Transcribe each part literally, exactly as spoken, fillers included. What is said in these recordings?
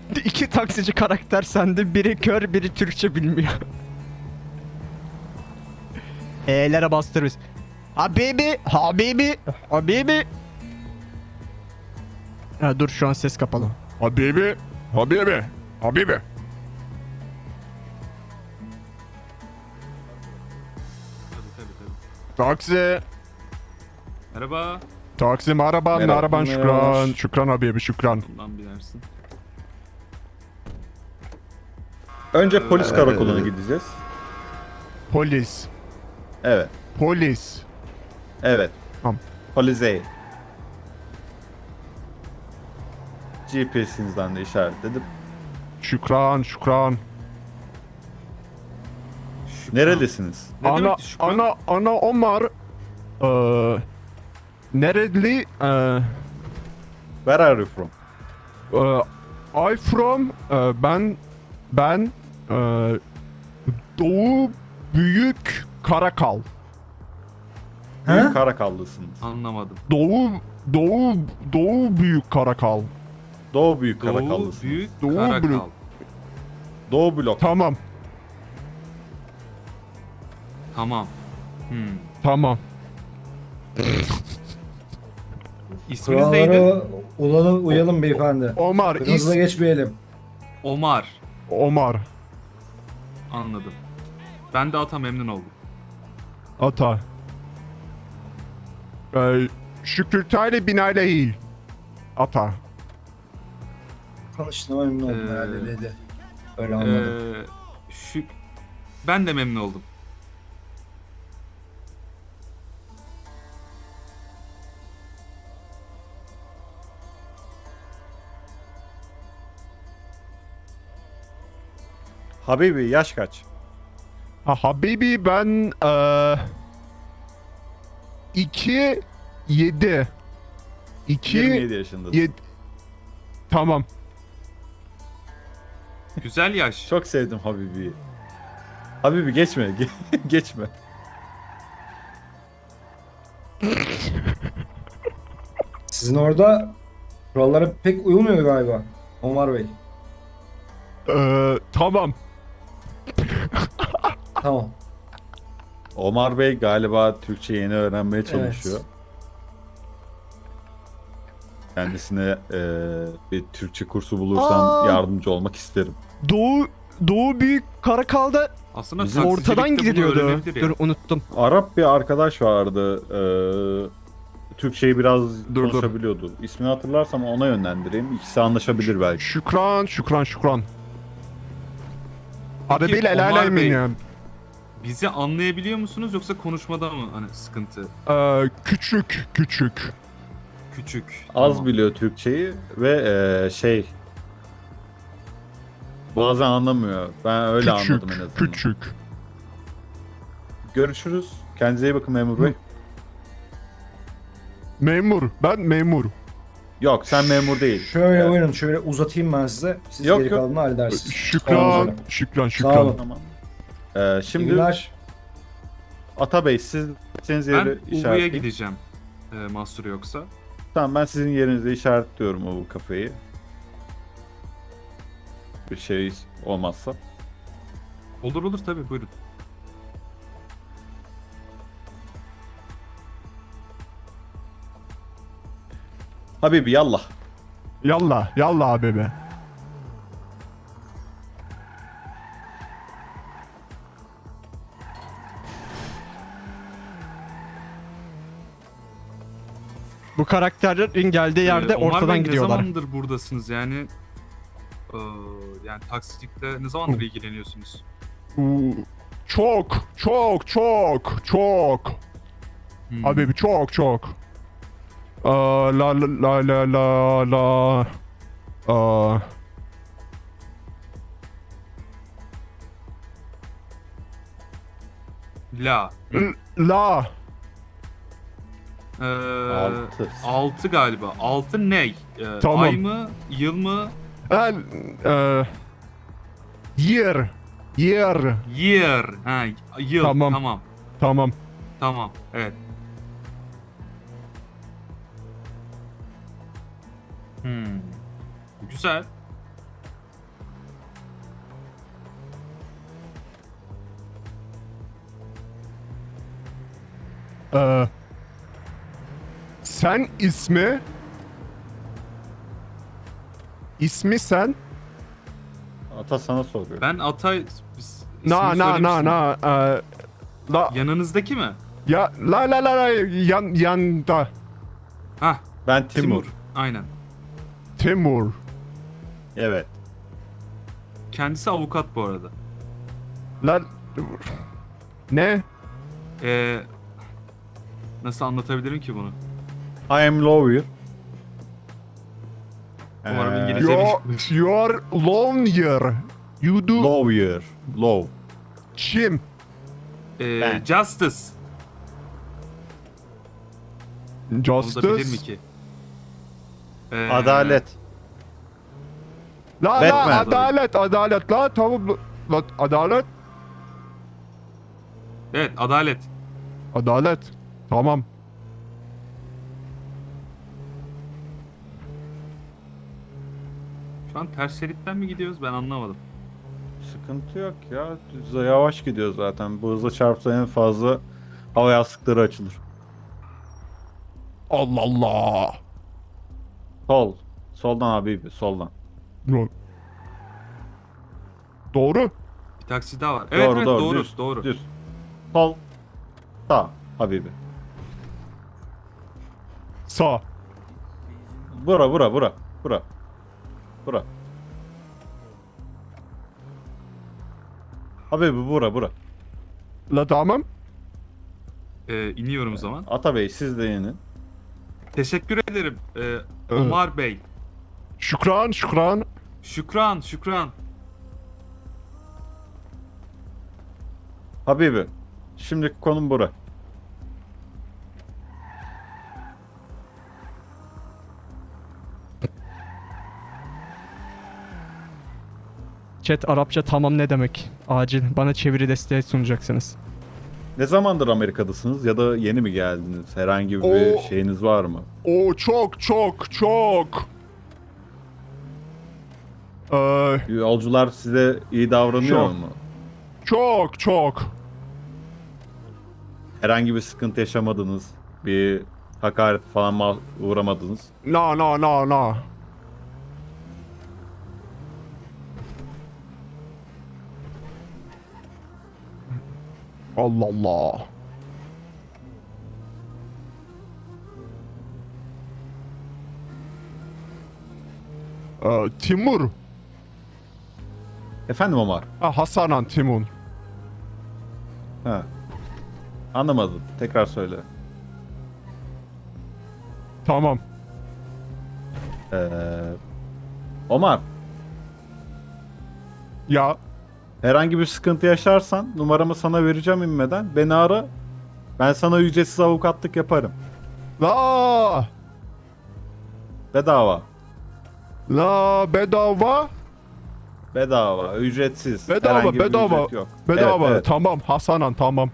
İki taksici karakter sende. Biri kör, biri Türkçe bilmiyor. E'lere bastırırız. Habibi, Habibi, Habibi. Ha, dur şu an ses kapalı. Habibi, Habibi, Habibi. Tabii tabii tabii. Taksi, Merhaba. taksi merhaba, Merhaba, merhaba, merhabalar. şükran, şükran Habibi, şükran. Bundan binersin. Önce polis Ee, karakoluna gideceğiz. Polis, Evet. polis. Evet. Tamam. Polizei. G P S'inizden de işaretledim. Şükran, şükran. Şükran. Nerelisiniz? Ne ana, demekti Şükran? ana, ana Omar. Eee, nereli? Eee, Where are you from? eee, I from, eee, ben, ben, eee, Doğu Büyük Karakal. Büyük Karakallısınız. Anlamadım. Doğu, Doğu, Doğu Büyük Karakal. Doğu Büyük Doğu Karakallısınız. Büyük Doğu Karakal. Büyük- Doğu Blok. Tamam, Tamam. Hmm. tamam. İsminiz neydi? Kurallara ulanı uyalım beyefendi. Omar, is, Hızla geçmeyelim. Omar. Omar, Anladım. Ben de ata memnun oldum. Ata. Eee, Şükürtaylı Binayla Ata. Tanıştığıma memnun oldum Ee, herhalde dedi. Öyle anladım. Ee, şük... Ben de memnun oldum. Habibi yaş kaç? Ha, Habibi ben eee iki yedi. iki yirmi yedi yaşındasın. yedi. Tamam. Güzel yaş. Çok sevdim Habibi'yi. Habibi geçme. ge- geçme. Sizin orada kurallara pek uyulmuyor galiba. Omar Bey. Eee tamam. Tamam. Omar Bey galiba Türkçe yeni öğrenmeye çalışıyor. Kendisine eee, bir Türkçe kursu bulursan Aa! yardımcı olmak isterim. Doğu, Doğu Büyük Karakal'da Aslında Bizim taksicilikte ortadan bunu gidiliyordu. öğrenebilir ya. Dur unuttum. Arap bir arkadaş vardı. eee, Türkçeyi biraz Dur, dur. konuşabiliyordu. İsmini hatırlarsam ona yönlendireyim. İkisi anlaşabilir belki. Şükran, şükran, şükran. Peki, Arabayla el Omar alem Bey- ya. Bizi anlayabiliyor musunuz yoksa konuşmada mı hani sıkıntı? Eee küçük, küçük. Küçük. Az Tamam. biliyor Türkçeyi ve eee, şey bazen anlamıyor. Ben öyle küçük, anladım en azından. küçük. Görüşürüz. Kendinize iyi bakın memur bey. Memur, ben memur. Yok sen memur değil. Şöyle Evet. buyurun, şöyle uzatayım ben size. Siz Yok, geri yok. kalanını halledersiniz. Olmaz Şükran, öyle. şükran, Sağ şükran. olun. Tamam. Ee, İyi şimdi günler. Ata Bey siz gideceğiniz Ben yeri Uvu'ya işaretleyin. gideceğim. E, mahsuru yoksa. Tamam ben sizin yerinize işaretliyorum o kafeyi. Bir şey olmazsa. Olur olur tabii buyurun. Habibi yallah. Yallah, yallah abi be. Bu karakterin geldiği yerde Ee, Omar ortadan Bey, gidiyorlar. ne zamandır buradasınız yani? Ee, yani taksicilikte ne zamandır ilgileniyorsunuz? Uuu, Çok, çok, çok, çok. Hmm. Abi bir çok çok. Aa, la la la la la la. Aa, La. l- la. Ee, Altı. altı galiba. Altı ne? Ee, Tamam. Ay mı? Yıl mı? El, e, year. Year. Year. Ha, yıl. Tamam. Tamam. Tamam. Tamam. Evet. Hmm. Güzel. Ee, sen ismi ismi sen Ata sana soruyor. Ben Atay... Biz- na ismini na na söylemiştim. na ee, la Yanınızdaki mi? ya la la la la yan yanda Hah. Ben Timur. Timur. Aynen. Timur. Evet. Kendisi avukat bu arada. La ne? Ee, nasıl anlatabilirim ki bunu? I am lawyer. Umarım Ee, İngilizce- You you are lawyer. You do Lawyer. Law. kim? Ee, Ben. Justice. Onu da bilir mi Justice. ki? Ee, Adalet. La la Batman. adalet adalet la tamam la adalet Evet, adalet. adalet tamam. Şu an ters şeritten mi gidiyoruz ben anlamadım. Sıkıntı yok ya. Düz yavaş gidiyor zaten. Bu hızla çarpsa en fazla hava yastıkları açılır. Allah Allah. Sol. Soldan abi. Soldan. Lo- Doğru. Bir taksi daha var. Evet doğru, evet doğru, doğru düz, doğru. Düz. Sol. Sağ. Habibi. Sağ. Bura bura bura. Bura. Bura. Habibi bura bura. La tamam. Ee, iniyorum o zaman. Atabey siz de inin. Teşekkür ederim ee, Omar Bey. Şükran şükran. Şükran şükran. Habibi. Şimdiki konum bura. Chat Arapça tamam ne demek? Acil bana çeviri desteği sunacaksınız. Ne zamandır Amerika'dasınız ya da yeni mi geldiniz? Herhangi bir Oo. şeyiniz var mı? O çok çok çok. Ee, Yolcular size iyi davranıyor Çok. mu? çok çok. Herhangi bir sıkıntı yaşamadınız? Bir hakaret falan ma- uğramadınız? Na na na na. Allah Allah. Ee, Timur. Efendim Omar? Ha, Hasanan Timur. Ha. Anlamadım. Tekrar söyle. Tamam. Ee, Omar, Ya herhangi bir sıkıntı yaşarsan numaramı sana vereceğim inmeden. Beni ara. Ben sana ücretsiz avukatlık yaparım. la Bedava. la bedava Bedava. Ücretsiz. Bedava, Herhangi bir bedava. ücret yok. bedava Evet, evet. tamam Hasanan tamam.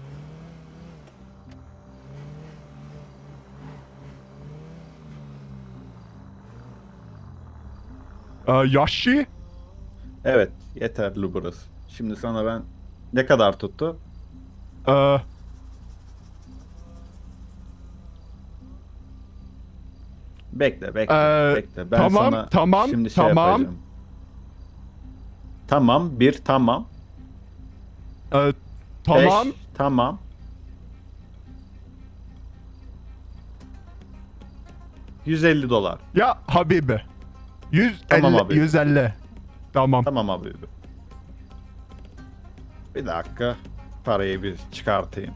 Ee, Yaşı Evet. Yeterli burası. Şimdi sana ben ne kadar tuttu? ee, Bekle, bekle, Ee, bekle. Ben tamam, sana tamam, şimdi şey tamam. yapacağım. Tamam, bir tamam. ee, tamam Beş, tamam. yüz elli dolar. ya Habibi. yüz Tamam elli abi. yüz elli. Tamam. Tamam abi. Bir dakika. Parayı bir çıkartayım.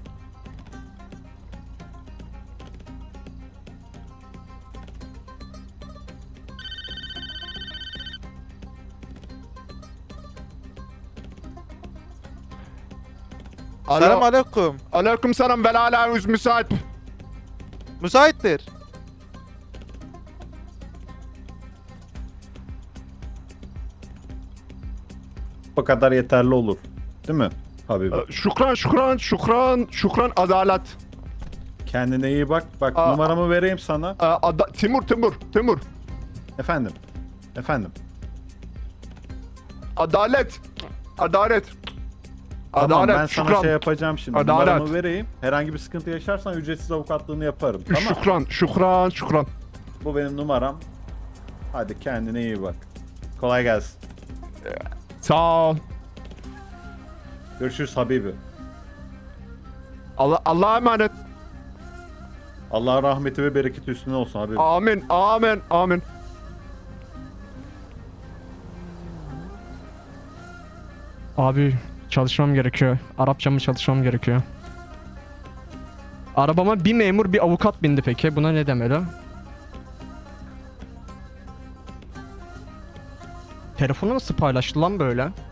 Selam Alo. aleyküm. Aleyküm selam ve ala yüz müsait. Müsaittir. Bu kadar yeterli olur. Değil mi Habibi? Ee, Şükran şükran şükran şükran adalet. Kendine iyi bak. Bak Aa. numaramı vereyim sana. Ee, ada- Timur Timur Timur. Efendim. Efendim. Adalet. Adalet. Tamam Adalet, ben sana şükran. şey yapacağım şimdi. Adalet. Numaramı vereyim. Herhangi bir sıkıntı yaşarsan ücretsiz avukatlığını yaparım. Tamam. Şükran, şükran, şükran. Bu benim numaram. Hadi kendine iyi bak. Kolay gelsin. Sağ ol. Görüşürüz Habibi. Allah, Allah'a emanet. Allah rahmeti ve bereketi üstüne olsun Habibi. Amin, amin, amin. Abi çalışmam gerekiyor. Arapçamı çalışmam gerekiyor. Arabama bir memur bir avukat bindi peki. Buna ne demeli? Telefonu nasıl paylaştı lan böyle?